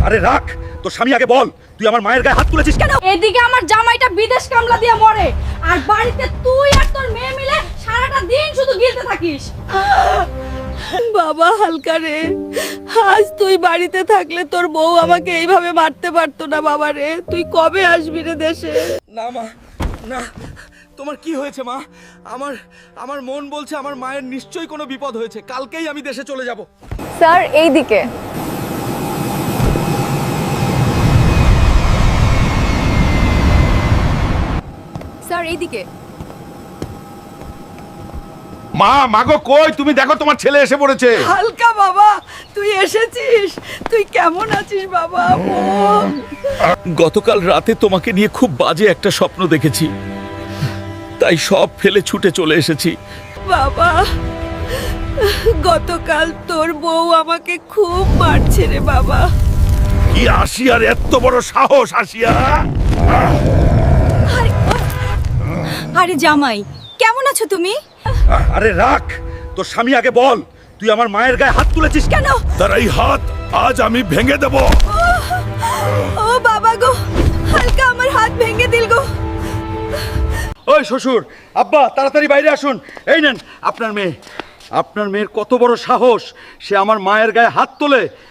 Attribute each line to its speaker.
Speaker 1: আরে রাখ, তোর স্বামী আগে বল, তুই আমার মায়ের গায়ে হাত তুলেছিস কেন?
Speaker 2: এদিকে আমার জামাইটা বিদেশ কামলা দিয়ে মরে, আর বাড়িতে তুই আর তোর মেয়ে মিলে সারাটা দিন শুধু গিলতে থাকিস।
Speaker 3: বাবা হালকা রে, আজ তুই বাড়িতে থাকলে তোর বউ আমাকে এইভাবে মারতে পারতো না। বাবা রে, তুই কবে আসবি রে দেশে?
Speaker 1: না মা, না। তোমার কি হয়েছে মা? আমার আমার মন বলছে আমার মায়ের নিশ্চয়ই কোনো বিপদ হয়েছে, কালকেই আমি দেশে চলে যাব।
Speaker 4: স্যার এই দিকে। স্যার এই দিকে।
Speaker 1: মা, মাগো কই? তুমি দেখো তোমার ছেলে এসে পড়েছে।
Speaker 3: হালকা বাবা, তুই এসেছিস? তুই কেমন আছিস বাবা?
Speaker 1: গতকাল রাতে তোমাকে নিয়ে খুব বাজে একটা স্বপ্ন দেখেছি, তাই সব ফেলে ছুটে চলে এসেছি।
Speaker 3: বাবা, গতকাল তোর বউ আমাকে খুব মারছে রে বাবা।
Speaker 1: কি আসিয়ার এত বড় সাহস? আসিয়া,
Speaker 2: আরে জামাই, কেমন আছো তুমি?
Speaker 1: আরে রাখ, তোর স্বামী আগে বল, তুই আমার মায়ের গায়ে হাত তুলেছিস কেন? তার এই হাত আজ আমি ভেঙে দেব।
Speaker 3: ও বাবা গো, হালকা আমার হাত ভেঙে দিল গো।
Speaker 1: ওই শ্বশুর, আব্বা তাড়াতাড়ি বাইরে আসুন। এই নেন আপনার মেয়ে। আপনার মেয়ের কত বড় সাহস, সে আমার মায়ের গায়ে হাত তোলে।